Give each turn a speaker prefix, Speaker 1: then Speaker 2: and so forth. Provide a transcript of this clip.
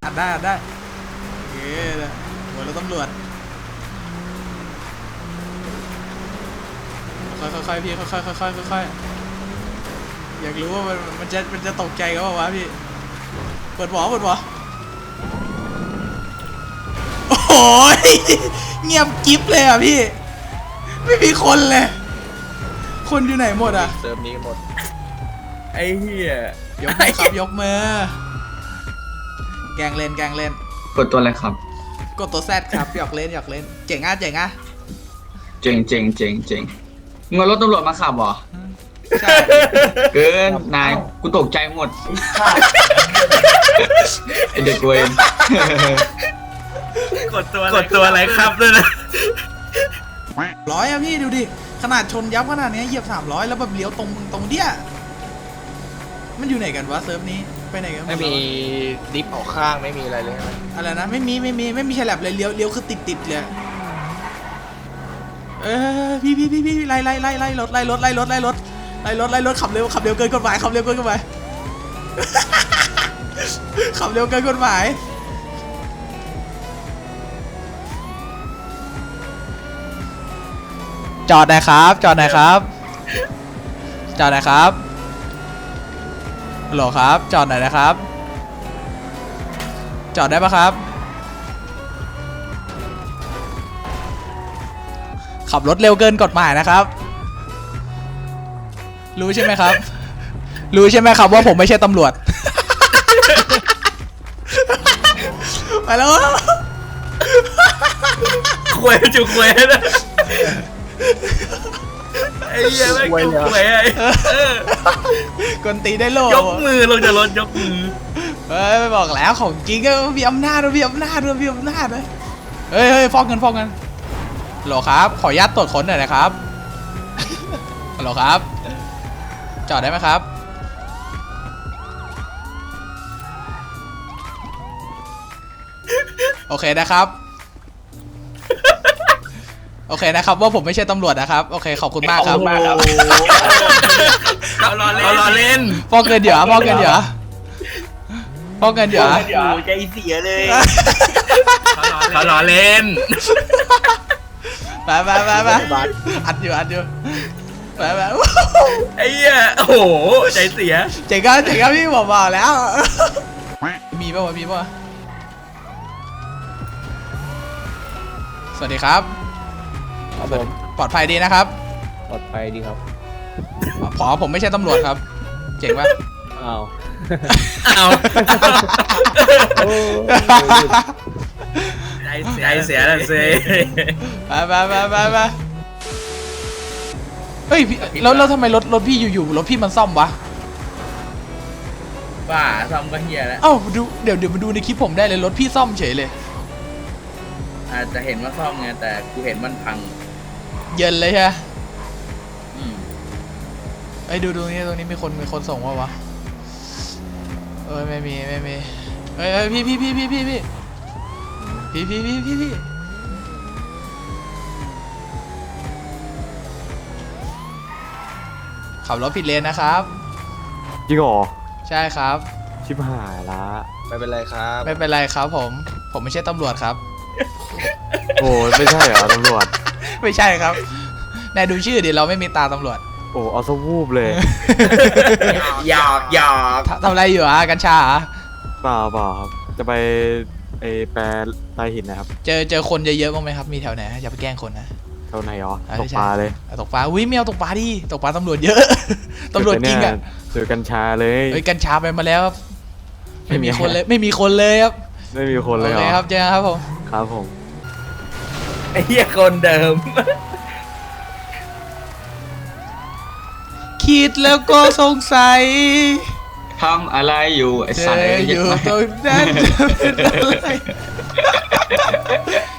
Speaker 1: อัดได้โอเคหัวเราตำรวจค่อยๆพี่ค่อยๆอยากรู้ว่ามันจะตกใจกันป่าวะพี่เปิดหวอโอ้โหเงียบกิ๊บเลยอ่ะพี่ไม่มีคนเลยคนอยู่ไหนหมดอ่ะ
Speaker 2: เซิร์ฟนี้หมดไอ้เหี้ย
Speaker 1: ยกมือครับยกมือแกงเล่น
Speaker 3: กดตัวอะไรครับ
Speaker 1: กดตัวแซดครับหยอกเล่นเจ๋งอ่ะ
Speaker 3: เจ๋งมึงเอารถตำรวจมาขับเหรอ
Speaker 1: ใช่
Speaker 3: เกินนายกูตกใจหมดไอเด็กเวร
Speaker 2: กดตัวอะไรครับด้วยนะ
Speaker 1: 100อะพี่ดูดิขนาดชนยับขนาดนี้เหยียบ300แล้วแบบเลี้ยวตรงเดี้ยมันอยู่ไหนกันวะเซิร์ฟนี้ไปไหนกัน
Speaker 2: ไม่มีดิฟออกข้างไม่มีอะไรเลย
Speaker 1: อะไรนะไม่มีฉลับเลยเลี้ยวคือติดเลยพี่ไล่รถขับเร็วเกินกฎหมายขับเร็วเกินกฎหมายจอดหน่อยครับฮัลโหลครับจอดหน่อยนะครับจอดได้ปะครับขับรถเร็วเกินกฎหมายนะครับรู้ใช่ไหมครับว่าผมไม่ใช่ตำรวจไปแล้ว
Speaker 2: ควยจุกควยนะไอ้เหี้ยแม่งจุกควยไอ้
Speaker 1: กวนตีได้โล
Speaker 2: ยกมือลงจากรถยกมือ
Speaker 1: ไม่บอกแล้วของจริงก็มีอำนาจเลยเฮ้ยฟ้องเงินฮัลโหลครับขออนุญาตตรวจค้นหน่อยนะครับฮัลโหลครับจอดได้ไหมครับโอเคนะครับว่าผมไม่ใช่ตำรวจนะครับโอเคขอบคุณมากครับ
Speaker 2: เรารอเล่น
Speaker 1: ฟ้องเงินเดี๋ยว
Speaker 2: ใจเสียเลยเขารอเล่น
Speaker 1: ไปอัดอยู่ไป
Speaker 2: ไอ้เหี้ยโอ้โหใจเสีย
Speaker 1: เจ๋งครับพี่บอกแล้วมีป่ะสวัสดีครับผมปลอดภัยดีนะครับ
Speaker 2: ปลอดภัยดีครับ
Speaker 1: ผมไม่ใช่ตำรวจครับเจ๋งป่ะ
Speaker 2: อ้าวใจเสียแล้วสิ
Speaker 1: ไปเฮ้ยแล้วทำไมรถพี่อยู่รถพี่มันซ่อมวะ
Speaker 2: บ้าซ่อมก็เฮียแล้ว
Speaker 1: เอ้าเดี๋ยวมาดูในคลิปผมได้เลยรถพี่ซ่อมเฉยเลย
Speaker 2: อาจจะเห็นว่าซ่อมไงแต่กูเห็นมันพัง
Speaker 1: เย็นเลยใช่ไหมไอ้ดูตรงนี้มีคนส่งวะไม่มีเฮ้ยพี่ขับรถผิดเลนนะครับ
Speaker 4: จริงเหรอ
Speaker 1: ใช่ครับ
Speaker 4: ชิบหายละ
Speaker 2: ไม่เป็นไร
Speaker 1: ครับผมไม่ใช่ตำรวจครับ
Speaker 4: โอ้ไม่ใช่เหรอตำรวจ
Speaker 1: ไม่ใช่ครับนายดูชื่อดิเราไม่มีตาตำรวจ
Speaker 4: โอ้เอาซะวูบเลย
Speaker 2: หยอก
Speaker 1: ทำอะไรอยู่อ่ะกัญชา
Speaker 4: เปล่าครับจะไปแปรลายหินนะครับ
Speaker 1: เจอคนเยอะๆบ้างไหมครับมีแถวไหนอย่าไปแกล้งคนนะ
Speaker 4: แถวไหนอ๋อตกปลาเลย
Speaker 1: ตกปลาอุ้ยไม่เอาตกปลาดิตกปลาตำรวจเยอะตำรวจจริงอ่ะ
Speaker 4: เจอกัญชาเลย
Speaker 1: กัญชาไปมาแล้วไม่มีคนเลยครับไม่มีคนเลย
Speaker 4: ครับ
Speaker 1: เจอครับ
Speaker 4: ผม
Speaker 2: ไอ้เหี้ยคนเดิม
Speaker 1: คิดแล้วก็สงสัย
Speaker 3: ทำอะไรอยู่ไอ้สัตว์
Speaker 1: อยู่ตรงนั้นจะเป็นอะไร